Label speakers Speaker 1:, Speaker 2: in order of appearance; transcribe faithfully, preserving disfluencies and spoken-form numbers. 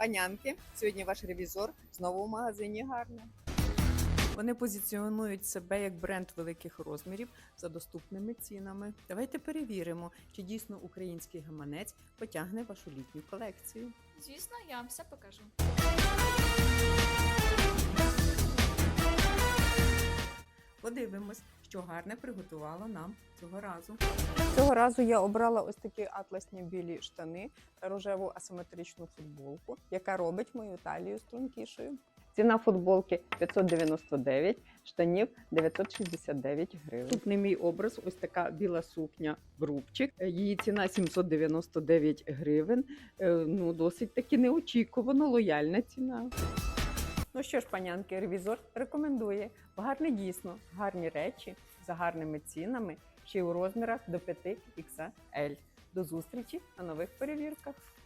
Speaker 1: Панянки, сьогодні ваш ревізор знову в магазині Гарне. Вони позиціонують себе як бренд великих розмірів за доступними цінами. Давайте перевіримо, чи дійсно український гаманець потягне вашу літню колекцію.
Speaker 2: Звісно, я вам все покажу.
Speaker 1: Подивимось, що Гарне приготувало нам цього разу.
Speaker 3: Цього разу я обрала ось такі атласні білі штани та рожеву асиметричну футболку, яка робить мою талію стрункішою. Ціна футболки п'ятсот дев'яносто дев'ять, штанів дев'ятсот шістдесят дев'ять гривень. Наступний мій образ – ось така біла сукня брубчик. Її ціна сімсот дев'яносто дев'ять гривень. Ну, досить таки неочікувано лояльна ціна. Ну що ж, панянки, ревізор рекомендує. В Гарне дійсно гарні речі за гарними цінами, ще й у розмірах до п'ять ікс ель. До зустрічі на нових перевірках!